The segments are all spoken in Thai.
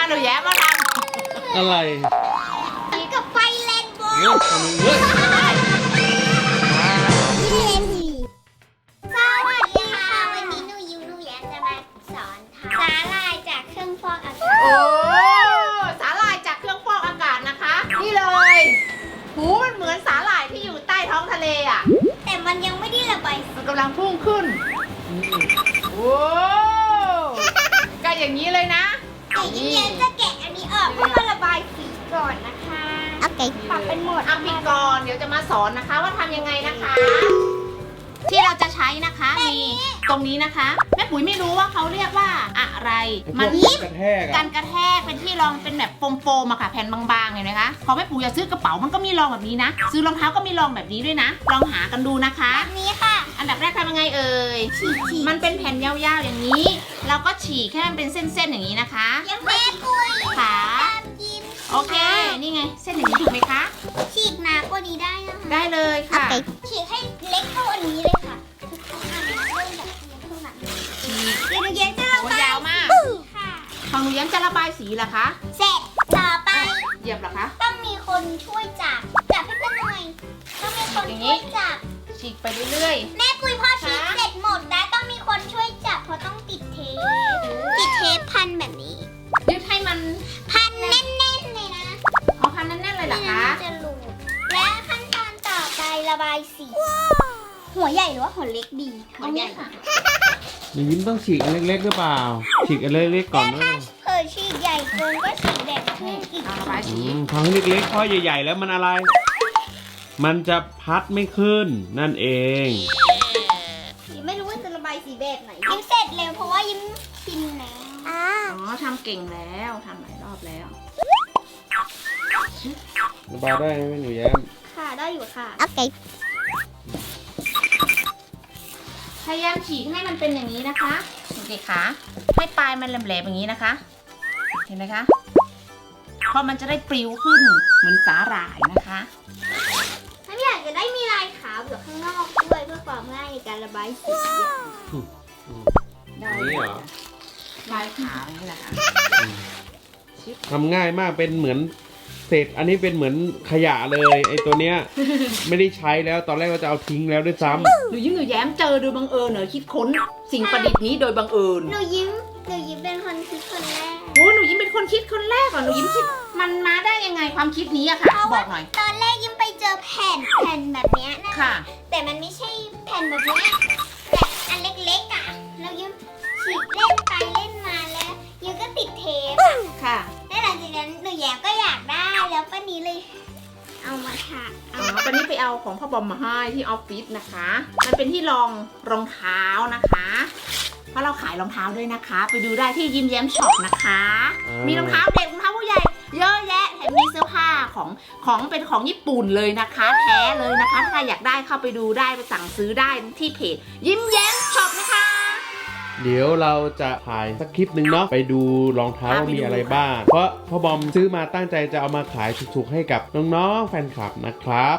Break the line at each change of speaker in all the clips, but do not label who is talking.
หนูแย้มมาท
ำอะไร
กับไฟเลนโบว์
เฮ้ยทำไมเฮ้ย
สวัสดีค่ะวันนี้หนูยิ้มหนูแย้มจะมาสอนทำสาหร่ายจากเครื่องฟอกอากาศ
โอ้สาหร่ายจากเครื่องฟอกอากาศนะคะนี่เลยหูมันเหมือนสาหร่ายที่อยู่ใต้ท้องทะเลอ่ะ
แต่มันยังไม่ได้ระบายสี
มันกำลังพุ่งขึ้นโอ้ก็อย่างนี้เลยนะ
แต่ยิ้มแย้มจะแกะอันนี้ออกเพื่อมาระบายสีก่อนนะคะโอเคปรับเป็นโหมด
เอาปิดก่อนเดี๋ยวจะมาสอนนะคะว่าทำยังไงนะคะ ที่เราจะใช้นะคะมีตรงนี้นะคะแม่ปุ๋ยไม่รู้ว่าเขาเรียกว่าอะไรมัน
กระแทก
การกระแทกเป็นที่รองเป็นแบบโฟมๆอะค่ะแผ่นบางๆเห็นไหมคะพอแม่ปู่จะซื้อกระเป๋ามันก็มีรองแบบนี้นะซื้อรองเท้าก็มีรองแบบนี้ด้วยนะลองหากันดูนะคะ
แบบนี้ค่ะ
อันดับแรกทำยังไงเอ่ย
ฉีก
มันเป็นแผ่นยาวๆอย่างนี้ เราก็ฉีกให้มันเป็นเส้นๆอย่างนี้นะคะ
ยังแม่ปุย
ขา
ตามยิ้ม
โอเคนี่ไงเส้นอย่างนี้ถูกไหมคะ
ฉีกหนากว่านี้ได้นะคะ
ได้เลยค่ะ
ฉีกให้เล็กเท่าอันนี้เลยค่ะเริ่มจากนี้เท่านั้น
ฉีก
เดี๋ยวหนูแย้มจะระ
โอ้
บาย
ยาวมาก
ค่ะ
ของหนูย้ำจะระบายสีเหรอคะ
เสร็จต่อไป
เหยียบเหรอคะ
ต้องมีคนช่วยจับให้เพื่อนหน่อยต้องมีคนช่วยจับ
ฉีกไปเรื่อย
แม่ปุยพอฉีกเสร็จหมดแล้วต้องมีคนช่วยจับเพราะต้องติดเทปพันแบบนี้
ๆยึดให้มัน
พันแน่นๆเลยนะ
เอาพันแน่นๆเลยเหรอคะ
ไม่งั้นมันจะหลุดและขั้นตอนต่อไประบายสีหัวใหญ่หรือว่าหัวเล็กดี
หัวใหญ่ค่ะ
หนูยิ้มต้องฉีกอันเล็กๆหรือเปล่า ฉีกอันเล็กๆก่อน
แล้ว
นะ
ถ้าเผยฉีกใหญ่เกินก็ฉีกแดงขึ้นอีก
เอาระบายสี
ทำให้เล็กๆเพราะใหญ่ๆแล้วมันอะไร มันจะพัดไม่ขึ้นนั่นเอง
ยิ้มไม่รู้ว่าจะระบายสีแบบไหนยิ้มเสร็จเร็วเพราะว่ายิ้มชินแล้ว
อ๋อทำเก่งแล้วทำหลายรอบแล้ว
ระบายได้ไหมหนูแย้ม
ค่ะได้อยู่ค่ะโอเค
พยายามฉีกให้มันเป็นอย่างนี้นะคะเด็กๆค่ะให้ปลายมันแหลมๆอย่างนี้นะคะ เห็นไหมคะเพราะมันจะได้ปลิวขึ้นเหมือนสาหร่ายนะคะ
ถ้าอยากจะได้มีลายขาวอยู่ข้างนอกด้วยเพื่อความง่ายในการระบายสี
ได้
นี่เหรอ
ลายขาวนี่แหละค่ะ
ทำง่ายมากเป็นเหมือนเศษอันนี้เป็นเหมือนขยะเลยไอ้ตัวเนี้ย ไม่ได้ใช้แล้วตอนแรกก็จะเอาทิ้งแล้วด้วยซ้ำ
หนูยิ้มหนูแย้มเจอโดยบังเอิญเหรอคิดค้นสิ่งประดิษฐ์นี้โดยบังเอิญ
หนูยิ้มเป็นคนคิดคนแรก
โอ้หนูยิ้มเป็นคนคิดคนแรกเหรอหนูยิ้มคิดมันมาได้ยังไงความคิดนี้อะค่ะ บอกหน่อย
ตอนแรกยิ้มไปเจอแผ่นแบบเนี้ยนะ
ค่ะ
แต่มันไม่ใช่แผ่นแบบนี้แบบอันเล็กๆอ่ะแล้วยิ้มฉีกเล่นไปเล่นมาแล้วยิ้มก็ติดเทปอะ
ค่ะ
แล้วหลังจากนั้นหนูแย้มก็อยากได้แล้วป้านี้เลย เอามาค่ะ
อ๋อตอนนี้ไปเอาของพ่อบอมมาให้ที่ออฟฟิศนะคะ มันเป็นที่รองเท้านะคะ เพราะเราขายรองเท้าด้วยนะคะ ไปดูได้ที่ยิ้มแย้มช็อปนะคะ มีรองเท้าเด็กรองเท้าผู้ใหญ่ เยอะแยะแถมมีเสื้อผ้าของเป็นของญี่ปุ่นเลยนะคะ แท้เลยนะคะ ถ้าใครอยากได้เข้าไปดูได้ไปสั่งซื้อได้ที่เพจยิ้มแย้มช็อปนะคะ
เดี๋ยวเราจะถ่ายสักคลิปหนึ่งเนาะไปดูรองเท้าว่ามีอะไรบ้าง เพราะพ่อบอมซื้อมาตั้งใจจะเอามาขายถูกๆให้กับน้องๆแฟนคลับนะครับ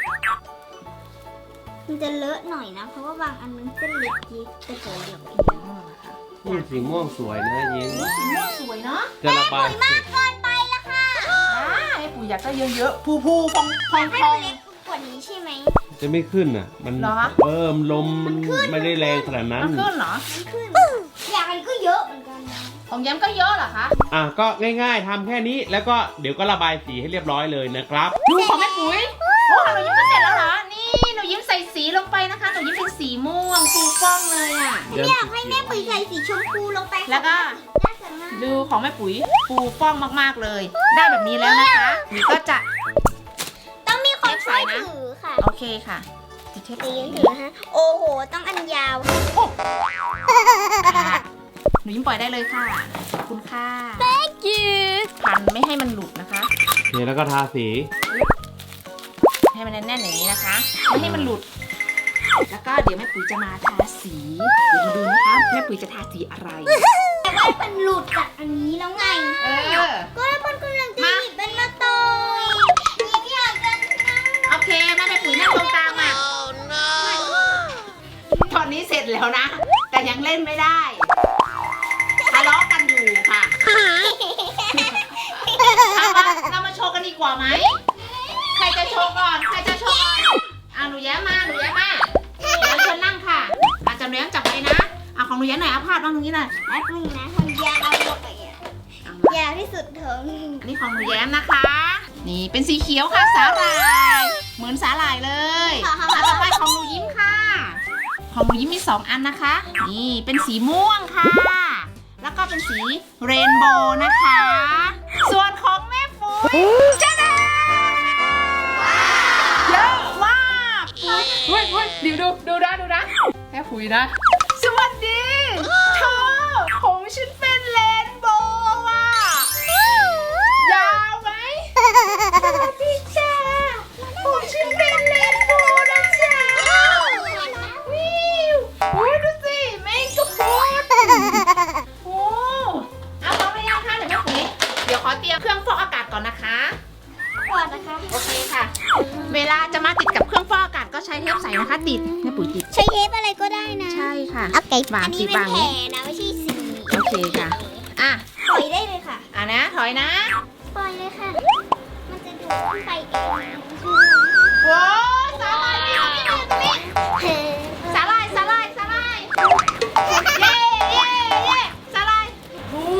มันจะเลอะหน่อยนะ เพราะว่าบางอันมันเส้นเล็กยิบแต่โหเดี๋ยว
สีม่วงสวยนะยิ้ม
สีม่วงสวยเนาะ
จะระบายเสร็จ
เกินไปละค่ะ
ให้ปู่อยากได้เยอะๆพูๆพอง
ให้
ๆ
มันเล็กกว่านี้ใช่ไหม
จะไม่ขึ้นอ่ะ มัน
เหรอ
ลมมันไม่ได้แรงขนาดนั้น
มันขึ้นเหรอ
มันขึ้นอย่างมันก็เยอะเหมือนกันนะ
ของแย้มก็เยอะเหรอคะ
อ่ะก็ง่ายๆทำแค่นี้แล้วก็เดี๋ยวก็ระบายสีให้เรียบร้อยเลยนะครับ
ดูของแม่ปุ๋ยโอ้หนูยิ้มก็เสร็จแล้วเหรอ นี่หนูยิ้มใส่สีลงไปนะคะ หนูยิ้มเป็นสีม่วงฟูฟ่องเลยอ่ะ
อยากให้แม่ปุ๋ยใส่สีชมพูลงไป
แล้วก็
น่าจะง่าย
ดูของแม่ปุ๋ยฟูฟ่องมากๆเลย ได้แบบนี้แล้วนะคะนี่ก็จะ
ต้องมีคนช่วยถือค่ะ
โอเคค่ะติดเทป
ตี
สี
นถือฮะโอ้โห ต้องอันยาว
ค่ะหนูยิ้มปล่อยได้เลยค่ะ ขอบคุณค่ะ
Thank you
พันไม่ให้มันหลุดนะคะ
เนี่ยแล้วก็ทาสี
ให้มันแน่นๆอย่างนี้นะคะ ไม่ให้มันหลุด แล้วก็เดี๋ยวแม่ปุ๋ยจะมาทาสี เดี๋ยวมาดูนะคะแม่ปุ๋ยจะทาสีอะไร
แต่ว่ามันหลุดจากอันนี้แล้วไง
เออ
ก็แล้วมันกำลังจะหยิบเป็นมาตอยยิ้มอยากจะนั่ง
โอเคแม่ปุ๋ยนั่งตรงกลางอ่ะตอนนี้เสร็จแล้วนะ แต่ยังเล่นไม่ได้ทะเลาะกันอยู่ค่ะชว์กันดีกว่าไหมใครจะโชว์ก่อนใครจะโชว์ก่อนหนูแย้มมาเดี๋ยวเชิญนั่งค่ะอาจารย์แย้มจับไว้นะของหนูแย้มหน่อยพาดบ้างตรงนี้หน่อย
แป๊บนึงนะคนยาวหมดเลยยาวที่สุดเถอะ
นี่ของหนูแย้มนะคะ นี่เป็นสีเขียวค่ะสาหร่ายเหมือนสาหร่ายเลยต่อไปของหนูยิ้มค่ะของหนูยิ้มมี2 อันนะคะนี่เป็นสีม่วงค่ะแล้วก็เป็นสีเรนโบว์นะคะ ส่วนของแม่ปุ๋ยจ้าดาเยอะมากเฮ้ยเดี๋ยวดูนะแม่ปุ๋ยนะสวัสดีเธอผมฉันเป็นเรนโบว์อ่ะยาวไหมสวัสดีจ้าผมฉันเป็นเรนโบว์นะจ๊ะวิวโอ้ยดูสิแม่งก็พูดโอ้เอาพร้อมหรือยังคะเดี๋ยวแม่ปุ๋ยเดี๋ยวขอเตรียมเครื่องฟอกอากาศก่อนนะคะ
ก่อนนะคะ
โอเคค่ะ เวลาจะมาติดกับเครื่องฟอกอากาศก็ใช้เทปใสนะคะติดแม่ปุ๋ยติด
ใช้เทปอะไรก็ได้นะ
ใช่ค่ะ
โอเค
วาง
อันนี้
ติด
เป็น
วาง
แผลนะไม่ใช่สี
โอเคค่ะอ่ะ
ปล่อยได้เลยค่ะ
นะถอยนะ
ปล่อยเลยค่ะ มันจะดูดขึ้นไปเอง
โว้สาหร่ายนี่สาหร่ายเย้สาหร่ายโอ้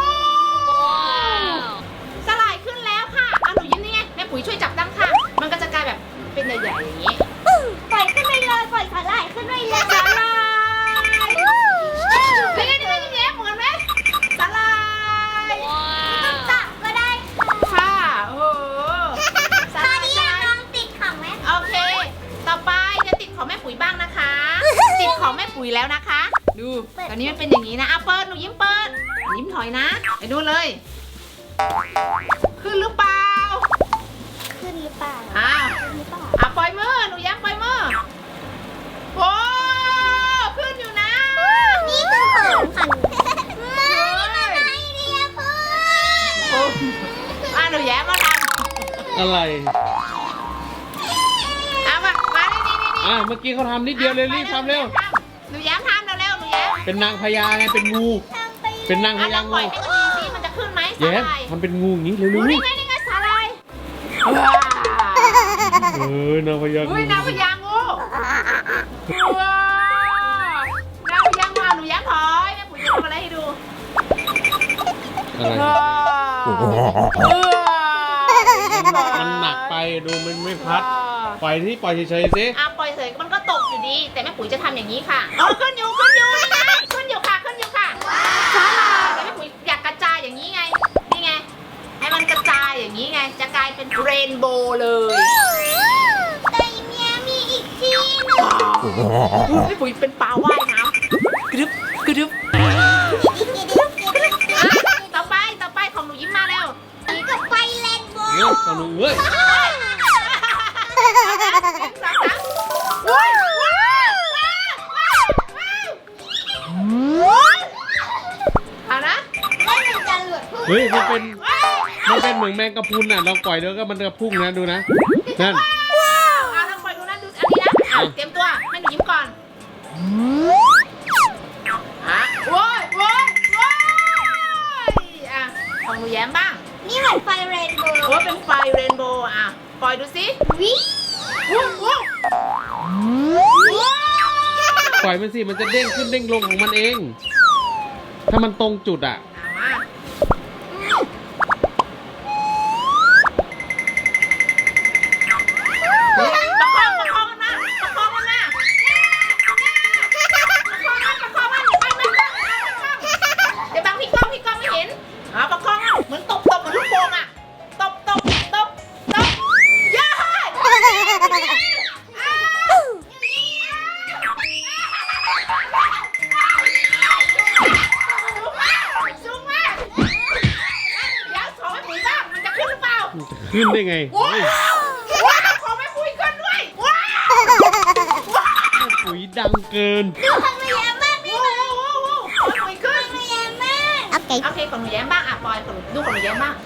สาหร่ายขึ้นแล้วค่ะหนูยิ้มนี่ไงแม่ปุ๋ยช่วยจับตั้งค่ะมันก็จะกลายแบบเป็นใหญ่ๆอย่างนี้
ปล่อยขึ้นไปเลยปล่อยสาหร่ายขึ้นไปเลย
สาหร่ายนี่ไงแย้มเหมือนไหมสาหร่าย
ต้องตักก็ได้
ค่ะโอ้สา
ต
ห
อ
ร่าน ย
นี้น้องติดของแม่
โอเค ต่อไปจะติดของแม่ปุ๋ยบ้างนะคะ ติดของแม่ปุ๋ยแล้วนะคะ ดูตอนนี้มันเป็นอย่างนี้นะเปิดหนูยิ้มเปิดยิ้มถอยนะไปดูเลย ขึ้นหรือเปล่า
ขึ้นหรือเปล่า
อ้าว
ขึ้นหรือเปล่า
ปล่อยมือหนูย้มปล่อยมือโอ้ขึ้นอยู่นะ
นี่คือของค่ะมานี่มาไอเดียเพื่อน
หนูแย้มมาท
อะไร
ำเอามานี่
เมื่อกี้เขาทำนิดเดียวเลยรีบทำเร็ว
หนูแย้มทำเร็วหนูแย้ม
เป็นนางพญาไงเป็นงู
ทำไป
เป็นนางพ
ล
ญา
องปล่
งู
อยให้ดูสิมันจะขึ้นไหมสา
แย้ม
หร่าย
ทำเป็นงูอย่างนี้เร็ว
นี่ไงสาหร่ายว้าว
ๆนางพญางู
อุ้ยนางพญางูว้าวนางพญางูหนูแย้มถอยแม่ปุ๋ยจะทำอะไรให้ดู
อะไร
ว้าว
มันหนักไปดูมันไม่พัด ปล่อยที่ปล่อยเฉยๆสิ
ปล่อยเสยมันก็ตกอยู่ดี แต่แม่ปุ๋ยจะทำอย่างนี้ค่ะขึ้นอยู่นี่ไงขึ้นอยู่ค่ะสาหร่ายแต่แม่ปุ๋ยอยากกระจายอย่างนี้ไงนี่ไงให้มันกระจายอย่างนี้ไงจะกลายเป็นเรนโบว์เลย
แต่เมียมีอีกที่หนึง
แม่ปุ๋ยเป็นปลาว่ายน้ำกรึบต่อไปของหนูยิ้มมาแล้ว
กับไฟแลนด์โบ
เฮ้ยตอนนู้นเฮ้ย
เอานะ
แล้วมันจะหลุดพุ่ง
เฮ้ยมันเป็นเหมือนแมงกะพรุนน่ะเราปล่อยแล้วก็มันจะพุ่งนะดูนะนั่น
เอาลองปล่อยดูนะดูอันนี้นะเตรียมตัวให้หนูยิ้มก่อนโว้ยของหนูแย้มบ้าง
นี่เหมือนไฟเรนโบว์
โอ้เป็นไฟเรนโบว์ปล่อยดูสิ
วิ
ปล่อยมันสิมันจะเด้งขึ้นเด้งลงของมันเอง ถ้ามันตรงจุดอ่ะ
มาประคองมันนะประคองมันเดี๋ยวบางพี่กล้องไม่เห็นประคองเหมือนตบเหมือนลูกโป่งตบย้ายสูงมากเดี๋ยวขอให้ปุ๋ยบ้างมันจะขึ้นหรือเปล่า
ขึ้นได้ไง
ว้าวขอแม่ปุ๋ยขึ้นด้วยว้าว
ปุ๋ยดังเกิน
ดูของหนูแย้มบ้างนี่
ขอปุ๋ยขึ้น
หนูแย้มบ้างโอเค
โอเคของหนูแย้มบ้างปอยดูของหนูแย้มบ้าง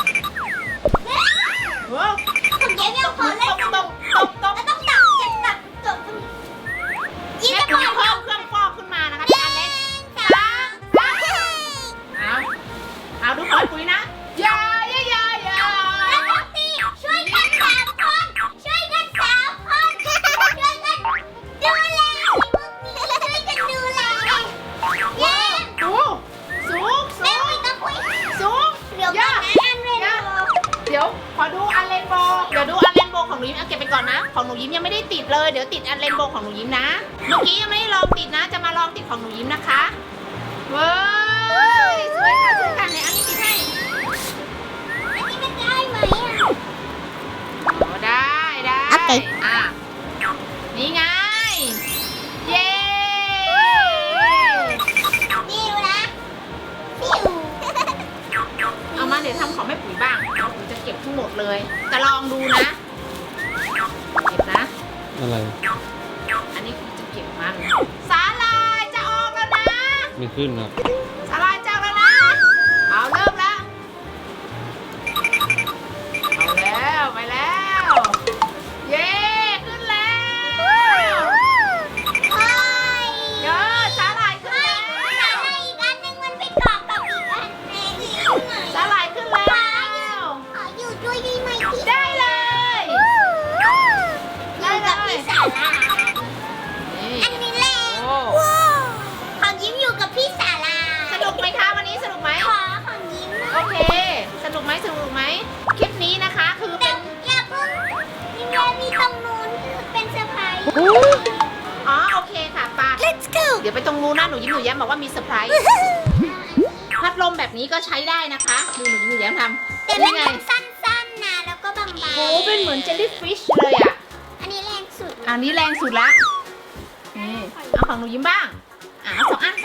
ว้าว
ของแย้มยังพอเล่น
ตบ
แล้วต้องตักจบยิ้ม
แม่
จะปล่
ปุ๋
อย ย
เพิ่มเครื่องฟอกขึ้นมานะคะเป็นอันเล็กเอาดูขอปุ๋ยนะอย่าติดอันเรนโบว์ของหนูยิ้มนะ เมื่อกี้ยังไม่ได้ลองติดนะ จะมาลองติดของหนูยิ้มนะคะเว้ยสวยค่ะสวยค่ะในอันนี้ติดให้
อันนี้มันได้ไหมอ่ะ
โอ้ได้ได้
โอเค
อ่ะนี่ไงเย้
นี่ดูนะฟิว
เอามาเดี๋ยวทำของแม่ปุ๋ยบ้างแม่ปุ๋ยจะเก็บทั้งหมดเลยจะลองดูนะเก็บนะ
อะไร
อันนี้คือจะเก็บมันสาลายจะออกแล้วนะ
ไม่ขึ้นครับ
สาลายจะออกแล้วนะเอาเริ่มแล้วเอาแล้วไปแล้วเย้ขึ้นแล้ว
เฮ้ย
เยอะสาลายขึ้น
เฮ้ย
แล้ว
อะไรอีกอันหนึงมันไปเกาะกับอีกอันหนึงอีกไหน
สาลายขึ้นแล้ว
ขออยู่ด้วยได้ไหมพี่
ได้เลย
อยู่กับพี่สาลา
นี่
อันนี้แหละ
โอ้
ของยิ้มอยู่กับพี่สาลา
สนุกไหมคะวันนี้สนุกไหม
ขอของยิ้ม
โอเค สนุกไหมสนุกไหมคลิปนี้นะคะคือ
แต่
เป็น
อย่าเพิ่งยิ้มแย้มมีตรงนู้นคือเป็นเซอร์ไพรส์
อ๋อโอเคค่ะปา
Let's go
เดี๋ยวไปตรงนู้นนะหนูยิ้มหนูแย้มบอกว่ามีเซอร์ไพรส์พัดลมแบบนี้ก็ใช้ได้นะคะดูหนูยิ้มหนูแย้มทำ
แต่มัน
นี่ไง
ต้องสั้นๆนะแล้วก็บางๆ
โอ้เป็นเหมือนเจลลี่ฟิชเลยอ่ะ
อันนี้แรงสุด
อันนี้แรงสุดละนี่เอาของหนูยิ้มบ้างเอาสองอัน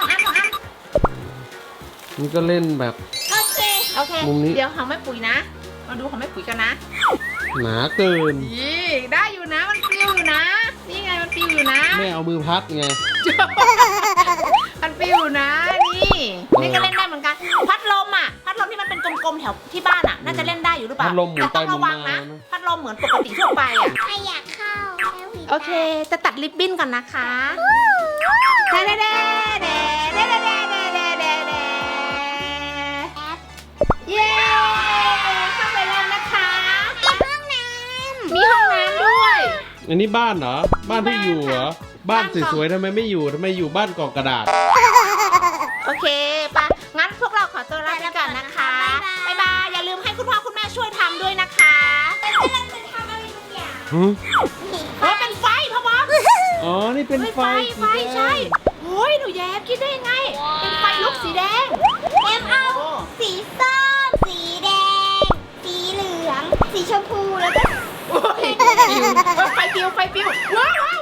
นี่ก็เล่นแบบ
โอเค
โอเค
มุมนี้
เดี๋ยวของแม่ปุ๋ยนะมาดูของแม่ปุ๋ยกันนะ
หนาเกิน
นี่ได้อยู่นะมันปลิวอยู่นะนี่ไงมันปลิวอยู่นะ
แม่เอามือพัดไง
มันปลิวนะนี่นี่ก็เล่นได้เหมือนกันพัดลมอ่ะพัดลมที่มันเป็นกลมๆแถวที่บ้านอ่ะน่าจะเล่นได้อยู่หรือเปล่า
พัดลมหมุน
แต่
ไป
ต้อง
หมุ
ระ
น
วัง
มา
นะ
นะ
พัดลมเหมือนปกติทั่วไปอ่ะ
ใครอยากเข้าแล้วหวี
โอเค จะตัดริบบิ้นก่อนนะคะเด้เด้เด้เด้เด้เด้เด้เด้เด้เด้เด้
แอป
เย้เข้าไปแล้วนะคะ
ห้องน้ำ
มีห้องน้ำด้วย
อันนี้บ้านเหรอ บ้านที่อยู่เหรอ บ้าน
บ้าน
สวยๆทำไมไม่อยู่ทำไมอยู่บ้านกล่องกระดาษ
โอเคปะงั้นพวกเราขอตัวลาไปก่อนนะคะบ๊ายบายอย่าลืมให้คุณพ่อคุณแม่ช่วยทำด้วยนะคะ
เป็นกำลังจะทำอะไรบางอย่าง
เพราะเป็นไฟพ่อบอม
อ๋อ นี่เป็นไฟ
ไฟใช่โอ้ยหนูแย้มคิดได้ยังไง เป็นไฟลุกสีแดง
แอมเอาสีส้มสีแดง สีเหลือง สีชมพูแล้วก็
โอ้ยไฟปิวว้าว